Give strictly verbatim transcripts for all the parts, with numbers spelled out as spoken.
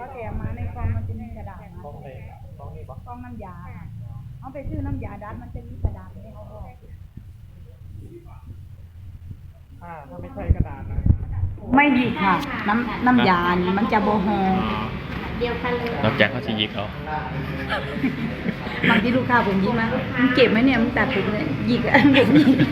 เขาแถมมาในกล่องมันจะมีกระดาษนะกล้องเลยกล้องนี่ปะกล่องน้ำยาเอาไปซื้อน้ำยาดัดมันจะมีกระดาษให้เขาบอกถ้าถ้าไม่ใช่กระดาษนะไม่หยิกค่ะ น้ำน้ำยานี่มันจะโบโฮเดียวกันเลยนอกจากเขาจะยิกเอาบางทีลูกค้าผมยิกมามึงเก็บไหมเนี่ยมึงตัดผมเลยหยิกอ่ะผมหยิก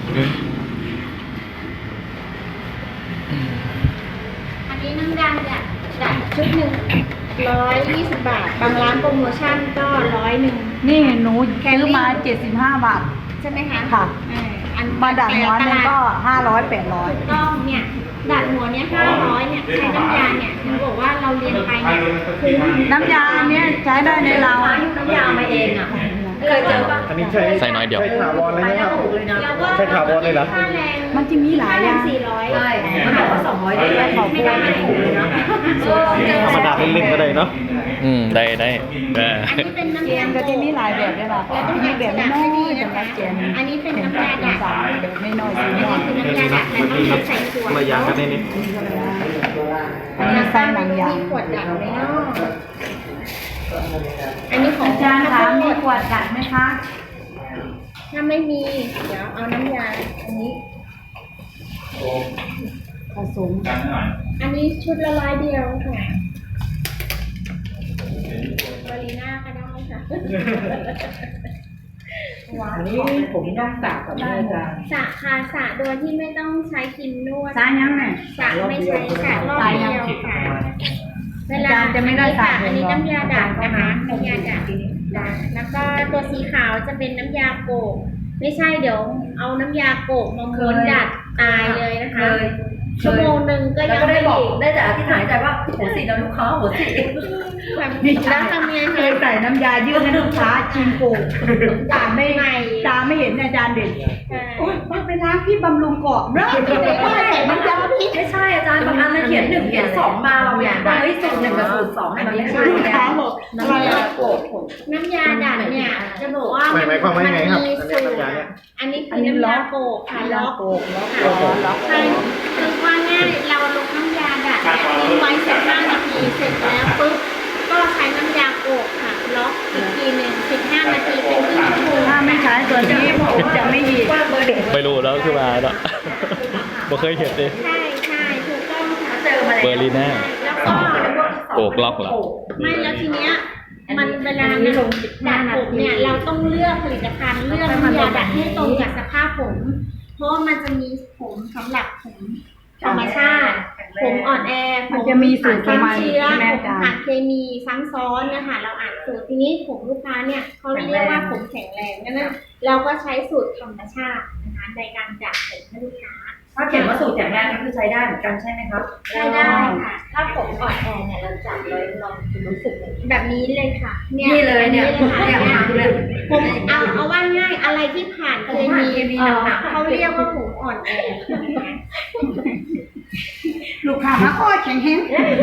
อันนี้น้ำยาเนี่ยจัดชุดหนึ่งร้อยยี่สิบบาท บางร้านโปรโมชั่นก็ร้อยหนึ่งนี่หนูซื้อมาเจ็ดสิบห้าบาทใช่ไหมคะค่ะเอออันมาดัดหัวเนี่ยก็ห้าร้อยแปดร้อยก็เนี่ยดัดหัวเนี่ยห้าร้อยเนี่ยใช้น้ำยาเนี่ยถึงบอกว่าเราเรียนไปเนี่ยคุ้มน้ำยาเนี้ยใช้ได้ในเราน้ำยามาเองอ่ะเคยเจอปะอันนี้ใช่ใส่น้อยเดียวใช่ถาวรเลยไหมครับแล้วก็ใช่ถาวรเลยเหรอค่าแรงมันจะมีหลายอย่างสี่ร้อยใช่มันบอกว่าสองร้อยได้ขอบไม่คุณได้ไม่ถูกเลยนะธรรมดาเล่นๆก็ได้เนาะอืมได้ได้เอออันนี้เป็นน้ำเกยามก็จะมีหลายแบบด้วยล่ะมีแบบน้อยๆสำหรับเกมอันนี้เป็นน้ำยาดัดสามแบบไม่น้อยสีอันม่วนี้งคือน้ำยาดัดแต่ต้องใส่ขวดมาอย่างกันนี่นี่อันนี้ใส่หนังยางมีขวดดัดไหมเนาะอันนี้ของอาจารย์คะมีขวดดัดไหมคะถ้าไม่มีเดี๋ยวเอาน้ำยาอันนี้ผสมอันนี้ชุดละร้อยเดียวค่ะบาลีน่าก็ได้ค่ะอันนี้ผมต้องสระกับแม่จ้าสระค่ะสระโดยที่ไม่ต้องใช้ครีมนวดสายยังไงสระไม่ใช้สระรอบเดียวค่ะเวลาอาจารย์จะไม่ได้สระอันนี้เองเหรอน้ำยาดัดนะคะน้ำยาดัดดัดแล้วก็ตัวสีขาวจะเป็นน้ำยาโกกไม่ใช่เดี๋ยวเอาน้ำยาโกกมาม้วนดัดตายเลยนะคะ ชั่วโมงหนึ่งก็แล้วยังก็ได้ไม่บอกอีกได้แต่อธิษฐานใจว่าหัวสีนะลูกค้าหัวสีแบบแล้วทำยังเคไงยใส่น้ำยายืดให้ลูกค้าชิมโกตาไม่ตาไม่เห็นอาจารย์เด่นโอ๊ยมันเป็นน้ำที่บำรุงกรอบนะไม่ใส่น้ำยาพิษไม่ใช่อาจารย์บางอันมันเขียนหนึ่งเขียนสองมาเราอยากได้เฮ้ยสูตรหนึ่งกับสูตรสองมันไม่ใช่ลูกค้าบอกน้ำยาโกดน้ำยาดัดเนี่ยจะบอกว่าหมายหมายความว่ายังไงครับมีอันสูนี้ตรน้ำยาเนี่ยอันนี้คือน้ำยาโกกค่ะล็อกโกกล็อกค่ะล็อกใช่คือว่าง่ายเราลงน้ำยาดัดเนี่ยทิ้งไว้สิบห้านาทีเสร็จแล้วปุ๊บก็ใช้น้ำยาโกกค่ะล็อกอีกทีหนึ่งสิบห้านาทีเป็นครึ่งชั่วโมงถ้าไม่ใช้ตัวนี้ผมจะไม่หยิบไม่รู้แล้วคือมาแล้วบ่เคยเห็นเลยใช่ใช่ถูกต้องค่ะเจอมาแล้วเบอร์ลิน่าแล้วก็โกกล็อกเหรอไม่แล้วทีเนี้ยมันเวลามันดัดผมเนี่ยเราต้องเลือกผลิตภัณฑ์เลือกน้ำยาดัดให้ตรงกับสภาพผม เพราะว่ามันจะมีผมสำหรับผมธรรมชาติ ผมอ่อนแอผมันมจะมีสูตรของมันเชื้อใช่ไหมผมอาจารผ่านย์เคมีซ้ำซ้อนนะคะเราอ่านสูตรทีนี้ผมลูกค้าเนี่ยเขาเรียกว่าผมแข็งแรงนั่นเราก็ใช้สูตรธรรมชาตินะคะในการจัดผมให้ลูกค้าถ้าเขียนว่าสูตรอย่างแรกนี่คือใช้ได้เหมือนกันใช่ไหมครับใช้ได้ค่ะ ถ้าผมอ่อนแอเนี่ยเราจับเลยลองรู้สึกแบบนี้เลยค่ะนี่เลยเนี่ยค่ะเนี่ยมาเลยผมเอาเอาว่าง่ายอะไรที่ผ่านเคมีเคมีหนักๆเขาเรียกว่าผมอ่อนแอลูกค้ามาอ้อแข็งแห้ง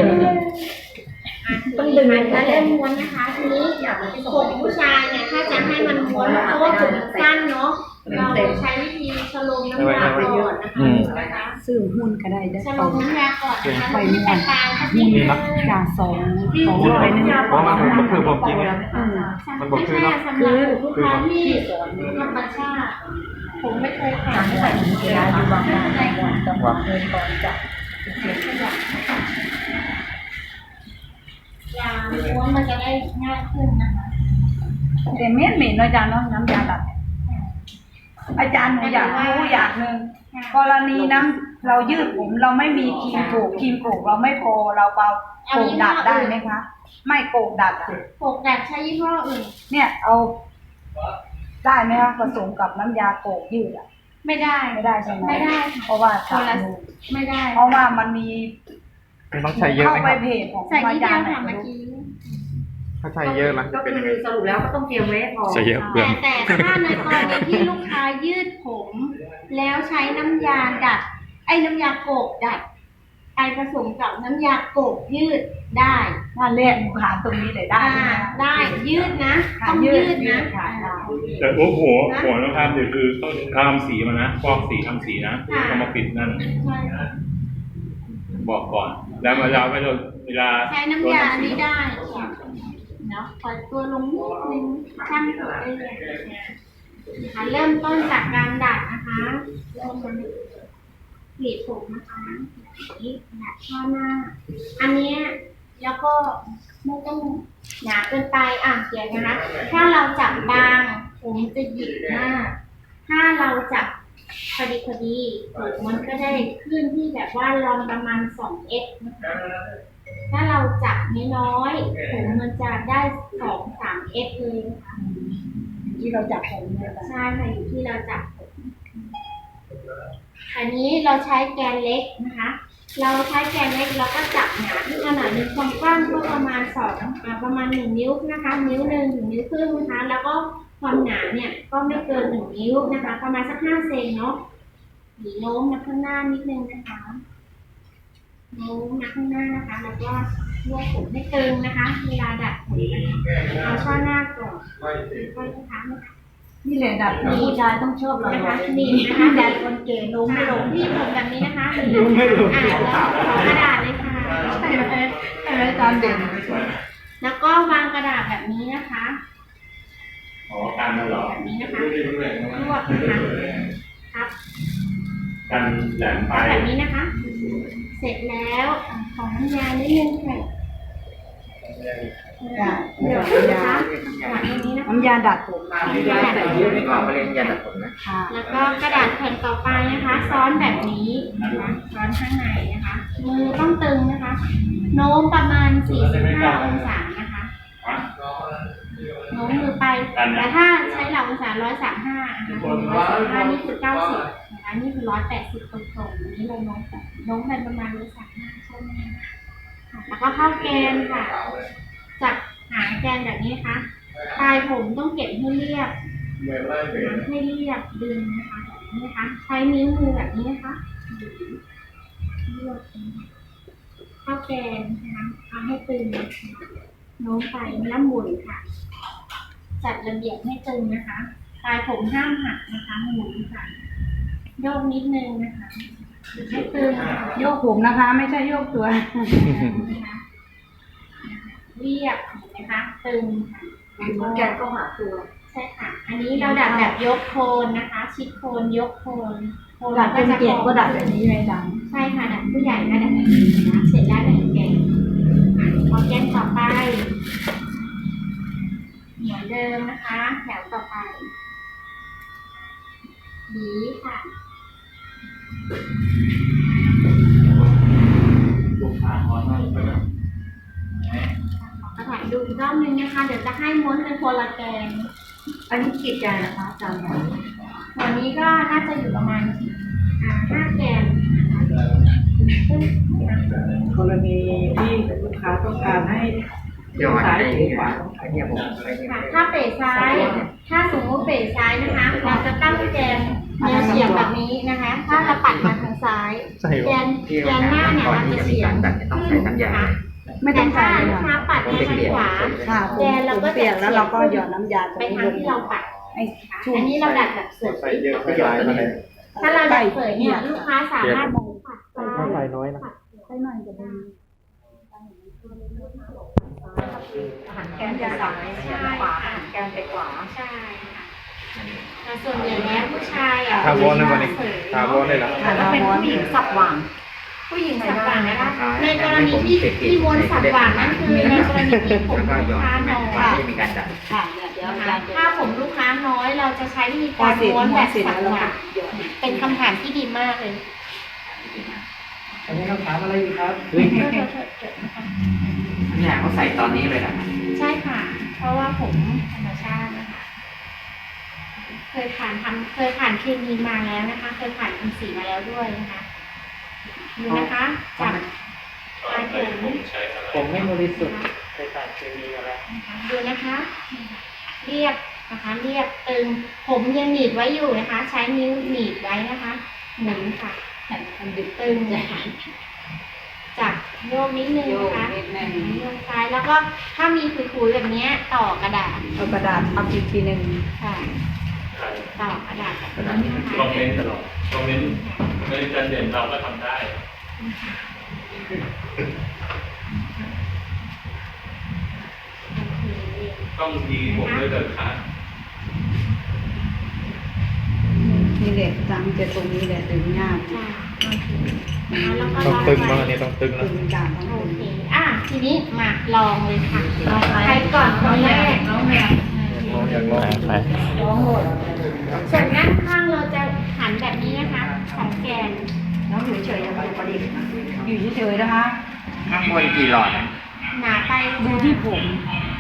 ต้องดึงแล้วเริ่มม้วนนะคะทีนี้ผมผู้ชายเนี่ยถ้าจะให้มันม้วนเพราะว่าผมสั้นเนาะเราใช้วิธีชโลมน้ำยาก่อนนะคะซื้อหุ้นก็ได้ได้ชโลสองมน้ำยาก่อนนะคะไปที่ม่วแตนกต่างกันหุ้ที่นจากสองสองร้อยหนึงเพราะมันมันคือผมจริงเนี่ยอืมมันบอกคือเนาะสำหรับลูกค้าที่ธรรมชาติผมไม่เคยผ่านใส่ถุงเกลืออยู่บางอย่างจังหวะเดินก่อนจะยาม้วนมันจะได้ง่ายขึ้นนะคะแต่เม็ดเหม็นอาจารย์เนาะน้ำยาดัดอาจารย์หนูอยากรู้อย่างหนึ่งกรณีน้ำเรายืดผมเราไม่มีครีมโกกครีมโกกเราไม่พอเราเปาโกกดัดได้ไหมคะ ไม่โกกดัดอะปกดัดใช้ยี่ห้ออื่นเนี่ยเอาได้ไหมคะผสมกับน้ำยาโกกยืดอะไม่ได้ไม่ได้ใช่ไหมไม่ได้ค่ะเพราะว่าคนละดูไม่ได้เพราะว่ามันมีมันต้องใช้เยอะเข้าไหมไปครับเพจของใส่นิดอาเดีจาย รวย์ไหนค่ะเมื่อรู้กี้ถ้าใช้เยอะล่ะก็เป็นคืยังไงอสรุปแล้วก็ต้องเตรียมไว้ให้พอใส่เยอะเปลืแต่องแต่ถ้าในกรณีที่ลูกค้ายืดผม แล้วใช้น้ำยาดัด ไอ้น้ำยาโกกดัดไปผสมกับน้ำยาโกกยืดได้นั่นแหละหนูหาตรงนี้เลยได้อ่าไหมได้ยืดนะค่ะต้องยืยืดดนะค่ะได้แต่หัวหัวหัวต้องทำเดี๋ยวคือต้องทำสีมันนะฟอกสีทำสีนะค่ะต้องมาปิดนั่นใช่ค่ะบอกก่อน แล้วเวลาไม่โดนเวลาใช้น้ำยาอันนี้ได้เนาะปล่อยตัวลงนิดนึงช่างตัวได้เลยนะคะเริ่มต้นจากการดัดนะคะเริ่มมันกรีดผมนะคะนี่ดัดข้างหน้า อันเนี้ยแล้วก็ไม่ต้องหนาเกินไปอ่ะเดี๋ยวนะคะถ้าเราจับบางผมจะหยิกมากถ้าเราจับพอดีพอดีผมมันก็ได้ขึ้นที่แบบว่าลองประมาณสองเอ็กนะคะถ้าเราจับน้อยๆผมมันจะได้สองสามเอ็กเลยนะคะที่เราจับผมเนี่ยค่ะใช่ค่ะอยู่ที่เราจับผมอันนี้เราใช้แกนเล็กนะคะ เราใช้แกนเล็กเราก็จับหนาที่ขนาดมีความกว้างก็ประมาณสองอ่าประมาณหนึ่งนิ้วนะคะ นิ้วหนึ่งถึงนิ้วครึ่งนะคะ แล้วก็ความหนาเนี่ยก็ไม่เกินหนึ่งนิ้วนะคะ ประมาณสักห้าเซนเนาะหนีโน้มมาข้างหน้านิดนึงนะคะโน้มมาข้างหน้านะคะ แล้วก็รวบผมให้ตึงนะคะ เวลาดัดผมนะคะเอาช่อหน้าก่อนค่อยๆนะคะนี่แหละดัดผมผู้ชายต้องชอบเรานะคะนี่นะคะดัดคนเก๋โน้มไม่ลงที่ผมแบบนี้นะคะน้มไม่ลงอ่าแล้วขอกระดาษเลยค่ะใช่ไหมใช่ไหมอาจารย์เด่นแล้วก็วางกระดาษแบบนี้นะคะอ๋อการนั่นเหรอแบบนี้นะคะรวบนะคะครับการแหลมไปแบบนี้นะคะ เสร็จแล้วอ่ะขอน้ำยานิดนึงค่ะจ้ะเดี๋ยวนะคะวางตรงนี้นะคะน้ำยาดัดผมน้ำยาดัดผมก่อนไปเรียนยาดัดผมนะค่ะแล้วก็กระดาษแผ่นต่อไปนะคะ ซ้อนแบบนี้นะคะซ้อนข้างในนะคะ มือต้องตึงนะคะ โน้มประมาณสี่สิบห้าองศานะคะโน้มมือไปแต่ถ้าใช้หลักองศาร้อยสามห้านะคะร้อยสามห้านี่คือเก้าสิบนะคะนี่คือร้อยแปดสิบตรงๆอันนี้เราโน้มแบบโน้มไปประมาณร้อยสามห้าใช่ไหมค่ะแล้วก็เข้าแกนค่ะจับหางแกนแบบนี้นะคะปลายผมต้องเก็บให้เรียบให้เรียบดึงนะคะแบบนี้นะคะใช้นิ้วมือแบบนี้นะคะเรียบเข้าแกนนะคะเอาให้ตึงโน้มไปแล้วหมุนค่ะ จัดระเบียบให้ตึงนะคะปลายผมห้ามหักนะคะหมุนค่ะโยกนิดนึงนะคะให้ตึงโยกผมนะคะ ไม่ใช่โยกตัวนะคะเรียบเห็นไหมคะตึงค่ะแกนก็หาตัวใช่ค่ะ อันนี้เราดัดแบบยกโคนนะคะ ชิดโคนยกโคนโคนดัดเป็นเกียรติก็ดัดแบบนี้เลยจังใช่ค่ะดัดผู้ใหญ่ก็ดัดแบบนี้นะคะเสร็จแล้วดัดแกนอ่ะพอแกนต่อไปเหมือนเดิมนะคะ แถวต่อไปหวีค่ะขอถ่ายดูอีกรอบนึงนะคะ เดี๋ยวจะให้ม้วนเป็นคนละแกนอันนี้กี่แกนนะคะอาจารย์วันนี้ก็น่าจะอยู่ประมาณอ่าห้าแกนซึ่งกรณีที่ลูกค้าต้องการให้เดี๋ยวซ้ายให้หรือขวาไอ้เนี่ยผมไอ้เนี่ยค่ะถ้าเป๋ซ้าย ถ้าสมมติเป๋ซ้ายนะคะ เราจะตั้งแกนแนวเฉียงแบบนี้นะคะ ถ้าเราปัดมาทางซ้ายใช่แกนแกนหน้าเนี่ยมันจะเฉียงขึ้นนะคะไม่ต้แต่องถ้าใส่ลูกค้าปัดมาทางขวาค่ะแกนเราก็เปลี่ยนแล้วเราก็หยอดน้ำยาไปทางที่เราปัดไอ้ค่ะอันนี้เราดัดแบบเสยใส่เยอะใส่หลายเท่าไหร่ถ้าเราดัดเสยเนี่ยลูกค้าสามารถปัดซ้ายใส่น้อยนะใส่หน่อยจะดีหันแกนไปซ้ายขวาหันแกนไปขวาใช่ค่ะแต่ส่วนใหญ่แล้วผู้ชายอ่ะทาวอนนะวันนี้ทาวอนได้เหรอค่ะแล้วเป็นผู้หญิงสับหว่างผู้หญิงสับหว่างนะคะในกรณีที่ที่ม้วนสับหว่างนั่นคือในกรณีที่ผมแล้วก็ลูย้กอนค้าไม่น้อยไม่มีการจัดค่ะเนี่ยเดี๋ยวอาจารย์จะถ้าผมลูกค้าน้อยเราจะใช้วิธีพอการเสร็จม้วนม้แบวนบเสร็จสับแล้วเราหว่างหยอดเป็นคำถามที่ดีมากเลยอันนี้คำถามอะไรอยู่ครับเนี่ยเขาใส่ตอนนี้เลยนะใช่ค่ะ เพราะว่าผมธรรมชาตินะคะ เคยผ่านทำเคยผ่านเคมีมาแล้วนะคะ เคยผ่านทำสีมาแล้วด้วยนะคะดูนะคะจับปลายผมผมไม่บริสุทธิ์ใส่สารเคมีอะไรดูนะคะ เรียบนะคะ เรียบตึง ผมยังหนีบไว้อยู่นะคะ ใช้นิ้วหนีบไว้นะคะ หมุนค่ะมันดึงตึงนะคะจับโยกนิดนึงโยกนะคะนิดนึงโยกซ้ายแล้วก็ถ้ามีขุยๆแบบนี้ต่อกระดาษเอากระดาษเอาอีกทีหนึ่งค่ะ ต่อกระดาษแบบนี้นะคะคอมเมนต์ตลอดคอมเมนต์ในการเด่นเราก็ทำได้นต้องยิงผมด้วยเดินขานี่แหละจังจะตรงนี้แหละถึงยากจ้ะโอเคแล้วเราก็ต้องลองตึงไปบ้างอันนี้ต้องตึงถึนะงการทั้งหมโอดเค อ่ะ ทีนี้มาลองเลยค่ะใครก่อนคนแรกน้องแม่น้องอยากลองไปน้องหมดส่วนด้านข้างเราจะหันแบบนี้นะคะ ของแกนน้องอยู่เฉยๆอย่าไปประดิษฐ์อยู่เฉยๆนะคะข้างบนกี่หลอดนะหนาไปดูที่ผมอ